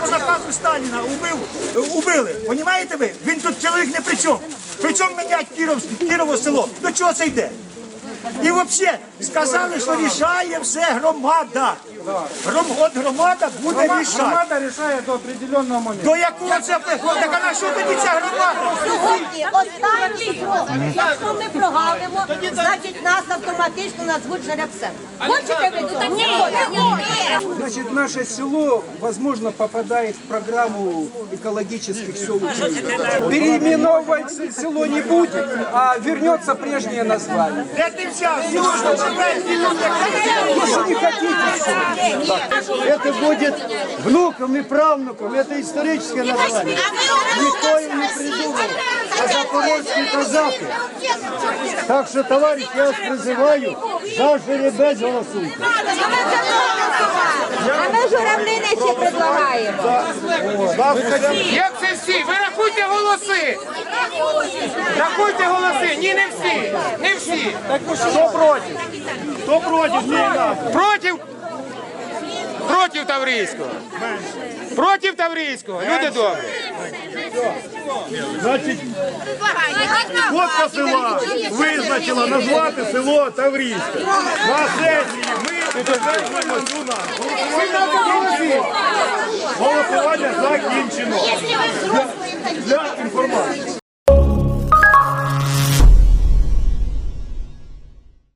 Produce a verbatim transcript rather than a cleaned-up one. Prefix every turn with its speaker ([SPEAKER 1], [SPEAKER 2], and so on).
[SPEAKER 1] по наказу Сталіна убив, убили. Понімаєте ви? Він тут чоловік не при чому. Причому мінять Кірово село. До чого це йде? І взагалі сказали, що рішає все громада. Гром, от громада буде рішати.
[SPEAKER 2] Громада рішає до определенного моменту.
[SPEAKER 1] До якого це приходить? Так а на що тоді ця громада?
[SPEAKER 3] Сьогодні останній срок. Якщо ми прогавимо, значить нас автоматично назвуть жеребцем. Хочете ви? Так ні, ні.
[SPEAKER 2] Значит, наше село, возможно, попадает в программу экологических сел Украины. Переименовывать село не будет, а вернется прежнее название.
[SPEAKER 1] Де ти взяв? Южно,
[SPEAKER 2] Если не хотите,
[SPEAKER 4] Это будет внукам и правнукам, это историческое название. Никто им не придумал, а запорожские казаки. Так что, товарищ, я вас призываю, за жеребець голосуйте.
[SPEAKER 3] А ми журавлини ще предлагаємо.
[SPEAKER 5] Як це всі? Ви рахуйте голоси! Рахуйте голоси! Ні, не всі! Не всі!
[SPEAKER 1] Хто проти? Хто проти? Ні,
[SPEAKER 5] Проти? Проти Таврійського! Проти Таврійського! Люди добрі!
[SPEAKER 4] Значить, ходка села визначила назвати село Таврійське. На сесії ми підтверджуємо цю назву. Голосування закінчено. Для інформації.